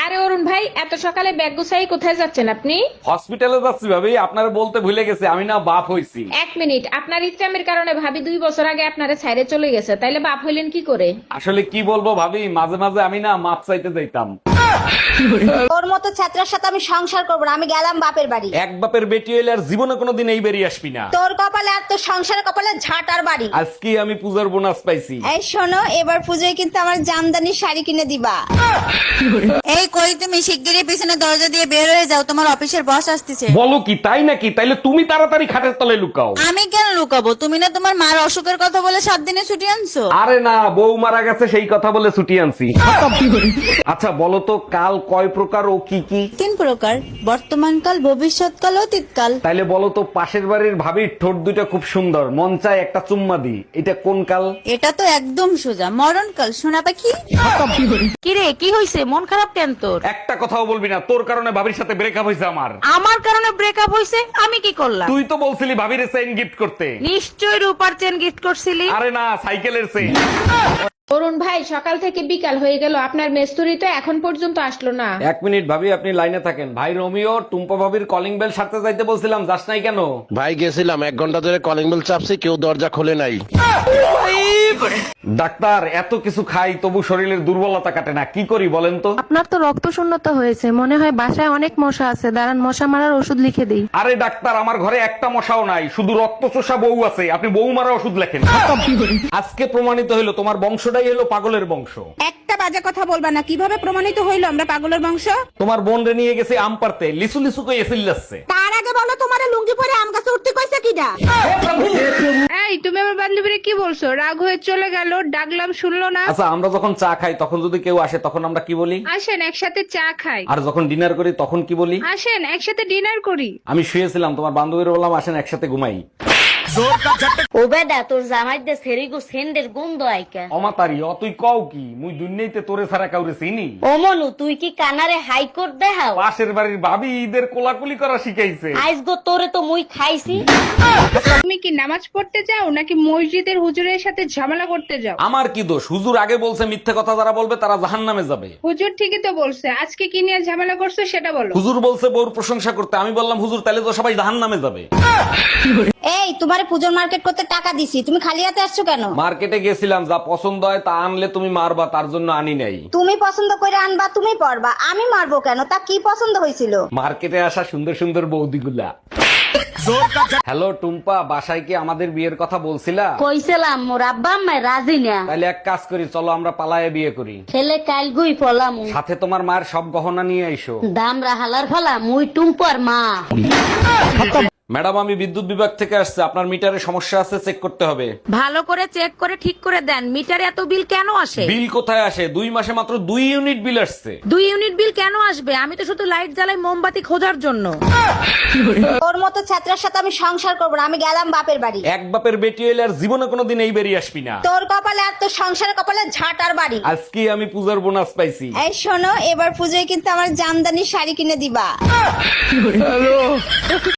আরে অরুণ ভাই, এত সকালে ব্যাগ গুছাই কোথায় যাচ্ছেন আপনি? হসপিটালে যাচ্ছি ভাবি, আপনারা বলতে ভুলে গেছে আমি না বাপ হইছি। এক মিনিট, আপনার ইচ্ছামের কারণে ভাবি 2 বছর আগে আপনারে ছাইরে চলে গেছে, তাইলে বাপ হইলেন কি করে? আসলে কি বলবো ভাবি, মাঝে মাঝে আমি না মাপ চাইতে যাইতাম। তোর মতো ছাত্রের সাথে আমি সংসার করবো না, আমি গেলাম বাপের বাড়ি। এক বাপের বেটি হইলে আর জীবনে কোনোদিন এই বেরিয়ে আসবি না। তোর কপালে আর তোর সংসারের কপালে ঝাঁটার বাড়ি। আজকে আমি পূজার বোনাস পাইছি। এই শোনো, এবার পুজোয় কিন্তু আমার জামদানি শাড়ি কিনে দিবা। এই কই তুমি শিগগিরই পিছনে দরজা দিয়ে বের হয়ে যাও, তোমার অফিসের বস আসতেছে। বলো কি, তাই নাকি? তাইলে তুমি তাড়াতাড়ি খাটের তলায় লুকাও। আমি কেন লুকাবো? তুমি না তোমার মার অসুখের কথা বলে 7 দিনে ছুটি আনছো। আরে না, বউ মারা গেছে সেই কথা বলে ছুটি আনছি। আচ্ছা বলো তো, কাল কয় প্রকার ও কি কি? 3 প্রকার, বর্তমানকাল, ভবিষ্যৎকাল, অতীতকাল। তাইলে বলো তো, পাশের বাড়ির ভাবির ঠোঁট দুইটা খুব সুন্দর, মন চায় একটা চুম্মা দি, এটা কোন কাল? এটা তো একদম সোজা, মরণকাল। শোনা পাখি। কিরে, কি হইছে? মন খারাপ কেন তোর? একটা কথাও বলবি না, তোর কারণে ভাবির সাথে ব্রেকআপ হয়েছে আমার। আমার কারণে ব্রেকআপ হইছে? আমি কি করলাম? তুই তো বলছিলি ভাবির চেইন গিফট করতে। নিশ্চয় রূপার চেন গিফট করছিলি। আরে না, সাইকেলের চেইন। অরুণ ভাই, সকাল থেকে বিকাল হয়ে গেল, আপনার মেস্তুরি তো এখন পর্যন্ত আসলো না। 1 মিনিট ভাবি, আপনি লাইনে থাকেন। ভাই রোমিও, টুম্পা ভাবির কলিং বেল সারতে যাইতে বলছিলাম, যাস নাই কেন? ভাই গেছিলাম, 1 ঘন্টা ধরে কলিং বেল চাপছি, কেউ দরজা খোলে নাই। ডাক্তার, এত কিছু খাই তবু শরীরের দুর্বলতা কাটে না, কি করি বলেন তো? আপনার তো রক্ত শূন্যতা হয়েছে, মনে হয় বাসায় অনেক মশা আছে, দাঁড়ান মশা মারার ওষুধ লিখে দিই। আরে ডাক্তার, আমার ঘরে একটা মশাও নাই, শুধু রক্ত চোষা বউ আছে, আপনি বউ মারা ওষুধ লেখেন। আজকে প্রমাণিত হইলো তোমার বংশটাই হলো পাগলের বংশ। একটা বাজে কথা বলবা না। কিভাবে প্রমাণিত হইলো আমরা পাগলের বংশ? তোমার বোন রে নিয়ে গেছে আম পারতে, লিসু লিসু কই এসিল যাচ্ছে। তার আগে বলো, তোমার লুঙ্গি পরে আম গাছে উঠতে কইছে কিডা? এই, তুমি আমার বান্ধবীরে কি বলছো? রাগ হয়ে চলে গেল, ডাকলাম শুনলো না। আচ্ছা, আমরা যখন চা খাই তখন যদি কেউ আসে তখন আমরা কি বলি? আসেন একসাথে চা খাই। আর যখন ডিনার করি তখন কি বলি? আসেন একসাথে ডিনার করি। আমি শুয়েছিলাম, তোমার বান্ধবীর বললাম আসেন একসাথে ঘুমাই। ও বেদা, তোর জামাই দে সেরিগো সেন্ডের গন্ধ আইকা। অমাতারি, তুই কও কি? মুই দুনিয়াতে তোরে ছাড়া কাউরে চিনি? ও মনু, তুই কি কানারে হাইকোর্ট দেখাও? পাশের বাড়ির ভাবি ঈদের কোলাকুলি করা শিখাইছে। আইস গো তোরে তো মুই খাইছি। তুমি কি নামাজ পড়তে যাও নাকি মসজিদের হুজুরের সাথে ঝামেলা করতে যাও? আমার কি দোষ? হুজুর আগে বলছে মিথ্যে কথা যারা বলবে তারা জাহান্নামে যাবে। হুজুর ঠিকই তো বলছে, আজকে কি নিয়ে ঝামেলা করছো সেটা বলো। হুজুর বলছে বউর প্রশংসা করতে, আমি বললাম হুজুর তাহলে তো সবাই জাহান্নামে যাবে। এই, তোমারে পুজোর মার্কেট করতে টাকা দিছি, তুমি খালি হাতে আসছো কেন? মার্কেটে গেছিলাম, যা পছন্দ হয় তা আনলে তুমি মারবা, তার জন্য আনি নাই। তুমি পছন্দ করে আনবা, তুমি পরবা, আমি মারবো কেন? তা কি পছন্দ হয়েছিল? মার্কেটে আসা সুন্দর সুন্দর বৌদিগুলা। হ্যালো টুম্পা, বাসায় কি আমাদের বিয়ের কথা বলছিলা? কইছিলাম, মোর আব্বা আম্মায় রাজি না। তাহলে এক কাজ করি, চলো আমরা পালায়ে বিয়ে করি। ছেলে কাল গুই ফলাম, সাথে তোমার মায়ের সব গহনা নিয়ে আইসো। দাম রাহালার ফলা, মুই টুম্পর মা। ম্যাডাম, আমি বিদ্যুৎ বিভাগ থেকে আসছে, আপনার মিটারে সমস্যা আছে, চেক করতে হবে। ভালো করে চেক করে ঠিক করে দেন। মিটারে এত বিল কেন আসে? বিল কোথায় আসে? 2 মাসে মাত্র 2 ইউনিট বিল আসছে। 2 ইউনিট বিল কেন আসবে? আমি তো শুধু লাইট জ্বালাই মোমবাতি খোঁজার জন্য। তোর মতো ছাত্রের সাথে আমি সংসার করবো না, আমি গেলাম বাপের বাড়ি। এক বাপের বেটি হইলে আর জীবনে কোনোদিন এই বেরিয়ে আসবি না। তোর কপালে আর তোর সংসারের কপালে ঝাঁটার বাড়ি। আজকে আমি পূজার বোনাস পাইছি। এই শোনো, এবার পুজোয় কিন্তু আমার জামদানি শাড়ি কিনে দিবা।